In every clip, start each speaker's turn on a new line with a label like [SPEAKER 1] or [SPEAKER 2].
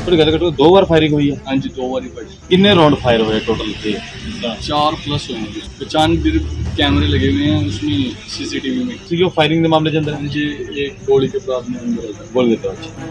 [SPEAKER 1] थोड़ी गल करो, 2 बार फायरिंग हुई है।
[SPEAKER 2] हाँ जी 2 बारी पड़ी।
[SPEAKER 1] कितने राउंड फायर हुए टोटल से?
[SPEAKER 2] 4 प्लस हुए हैं। 95 कैमरे लगे हुए हैं उसमें सीसीटीवी में।
[SPEAKER 1] जो फायरिंग के मामले के अंदर
[SPEAKER 2] हाँ जी एक गोली के बाद में अंदर आता
[SPEAKER 1] बोल देते हो।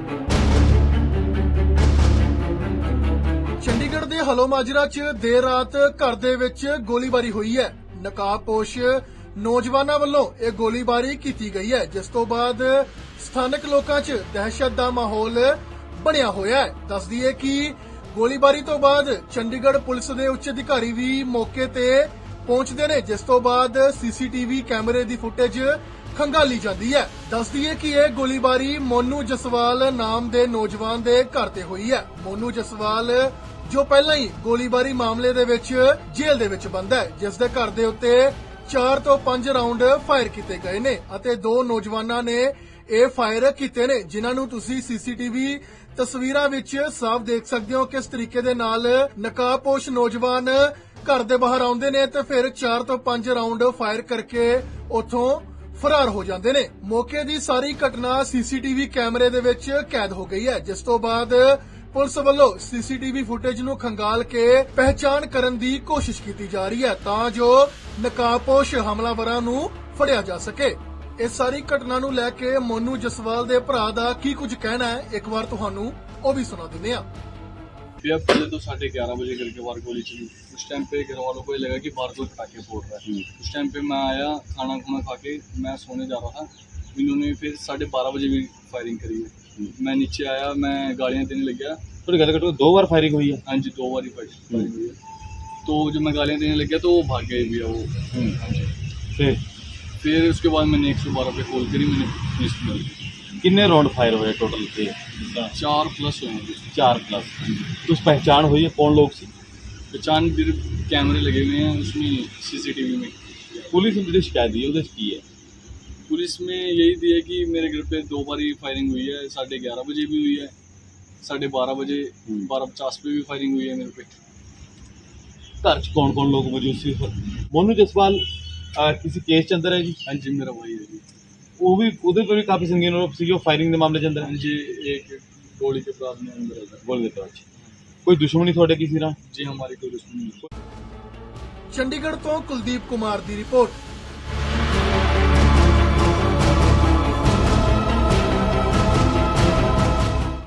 [SPEAKER 3] ਚੰਡੀਗੜ੍ਹ ਦੇ ਹਲੋਮਾਜਰਾ 'ਚ ਦੇਰ ਰਾਤ ਘਰ ਦੇ ਵਿੱਚ ਗੋਲੀਬਾਰੀ ਹੋਈ ਹੈ। ਨਕਾਬਪੋਸ਼ ਨੌਜਵਾਨਾਂ ਵੱਲੋਂ ਇਹ ਗੋਲੀਬਾਰੀ ਕੀਤੀ ਗਈ ਹੈ, ਜਿਸ ਤੋਂ ਬਾਅਦ ਸਥਾਨਕ ਲੋਕਾਂ 'ਚ ਦਹਿਸ਼ਤ ਦਾ ਮਾਹੌਲ ਬਣਿਆ ਹੋਇਆ ਹੈ। ਦੱਸ ਦਈਏ ਕਿ ਗੋਲੀਬਾਰੀ ਤੋਂ ਬਾਅਦ ਚੰਡੀਗੜ੍ਹ ਪੁਲਿਸ ਦੇ ਉੱਚ ਅਧਿਕਾਰੀ ਵੀ ਮੌਕੇ ਤੇ ਪਹੁੰਚਦੇ ਨੇ, ਜਿਸ ਤੋਂ ਬਾਅਦ ਸੀਸੀਟੀਵੀ ਕੈਮਰੇ ਦੀ ਫੁਟੇਜ ਖੰਗਾਲੀ ਜਾਂਦੀ ਹੈ। ਦੱਸ ਦਈਏ ਕਿ ਇਹ ਗੋਲੀਬਾਰੀ ਮੋਨੂ ਜਸਵਾਲ ਨਾਮ ਦੇ ਨੌਜਵਾਨ ਦੇ ਘਰ ਤੇ ਹੋਈ ਹੈ। ਮੋਨੂ ਜਸਵਾਲ ਜੋ ਪਹਿਲਾਂ ਹੀ ਗੋਲੀਬਾਰੀ ਮਾਮਲੇ ਦੇ ਵਿੱਚ ਜੇਲ੍ਹ ਦੇ ਵਿੱਚ ਬੰਦ ਹੈ, ਜਿਸ ਦੇ ਘਰ ਦੇ ਉੱਤੇ 4 ਤੋਂ 5 ਰਾਉਂਡ ਫਾਇਰ ਕੀਤੇ ਗਏ ਨੇ ਅਤੇ 2 ਨੌਜਵਾਨਾਂ ਨੇ ਇਹ ਫਾਇਰ ਕੀਤੇ ਨੇ, ਜਿਨ੍ਹਾਂ ਨੂੰ ਤੁਸੀਂ ਸੀਸੀਟੀਵੀ ਤਸਵੀਰਾਂ ਵਿੱਚ ਸਾਫ਼ ਦੇਖ ਸਕਦੇ ਹੋ। ਕਿਸ ਤਰੀਕੇ ਦੇ ਨਾਲ ਨਕਾਬਪੋਸ਼ ਨੌਜਵਾਨ ਘਰ ਦੇ ਬਾਹਰ ਆਉਂਦੇ ਨੇ ਤੇ ਫਿਰ 4 ਤੋਂ 5 ਰਾਉਂਡ ਫਾਇਰ ਕਰਕੇ ਉੱਥੋਂ ਫਰਾਰ ਹੋ ਜਾਂਦੇ ਨੇ। ਮੌਕੇ ਦੀ ਸਾਰੀ ਘਟਨਾ ਸੀਸੀਟੀਵੀ ਕੈਮਰੇ ਦੇ ਵਿੱਚ ਕੈਦ ਹੋ ਗਈ ਹੈ, ਜਿਸ ਤੋਂ ਬਾਅਦ ਪੁਲਿਸ ਵੱਲੋਂ ਸੀਸੀਟੀਵੀ ਫੁਟੇਜ ਨੂੰ ਖੰਗਾਲ ਕੇ ਪਹਿਚਾਣ ਕਰਨ ਦੀ ਕੋਸ਼ਿਸ਼ ਕੀਤੀ ਜਾ ਰਹੀ ਹੈ ਤਾਂ ਜੋ ਨਕਾਬਪੋਸ਼ ਹਮਲਾਵਰਾਂ ਨੂੰ ਫੜਿਆ ਜਾ ਸਕੇ। ਇਸ ਸਾਰੀ ਘਟਨਾ ਨੂੰ ਲੈ ਕੇ ਮੋਨੂ ਜਸਵਾਲ ਦੇ ਭਰਾ ਦਾ ਕੀ ਕੁਝ ਕਹਿਣਾ ਹੈ, ਇੱਕ ਵਾਰ ਤੁਹਾਨੂੰ ਉਹ ਵੀ ਸੁਣਾ ਦਿੰਦੇ ਹਾਂ।
[SPEAKER 2] भैया पहले तो 11:30 बजे करके बाहर गोली चली। उस टाइम पे घर वालों को ये लगा कि बाहर कोई पटाखे फोड़ रहा है। उस टाइम पे मैं आया खाना खुना खा के मैं सोने जा रहा था, इन्होंने फिर 12:30 बजे भी फायरिंग करी है। मैं नीचे आया, मैं गालियाँ देने लग गया।
[SPEAKER 1] थोड़ी गल करो, 2 बार फायरिंग हुई है।
[SPEAKER 2] हाँ जी 2 बारी फायरिंग हुई है। तो जब मैं गालियाँ देने लग गया तो वो भाग गए भैया वो। हाँ जी फिर उसके बाद मैंने 112 पे कॉल करी, मैंने पुलिस को मिल गई।
[SPEAKER 1] कितने राउंड फायर हुए टोटल से?
[SPEAKER 2] 4 प्लस हुए हैं।
[SPEAKER 1] 4 प्लस। कुछ पहचान हुई है कौन लोग से?
[SPEAKER 2] 95 कैमरे लगे हुए हैं उसमें सीसीटीवी में।
[SPEAKER 1] पुलिस ने जो शिकायत दी है की है?
[SPEAKER 2] पुलिस में यही दी है कि मेरे घर पे 2 बारी फायरिंग हुई है। 11:30 बजे भी हुई है, 12:30 बजे 12:50 पे भी फायरिंग हुई है मेरे पे।
[SPEAKER 1] घर च कौन कौन लोग मौजूद सी? मोनू जसवाल किसी केस के अंदर है जी?
[SPEAKER 2] हाँ जी मेरा भाई है जी।
[SPEAKER 1] वो भी उधर पर भी काफी संगीन आरोप सी जो फायरिंग के मामले के अंदर
[SPEAKER 2] हाँ जी एक गोली के बाद में अंदर आता है।
[SPEAKER 1] बोल देते हो। कोई दुश्मनी थोड़े किसी ना?
[SPEAKER 2] जी हमारी कोई दुश्मनी नहीं।
[SPEAKER 3] ਚੰਡੀਗੜ੍ਹ ਤੋਂ ਕੁਲਦੀਪ ਕੁਮਾਰ ਦੀ ਰਿਪੋਰਟ।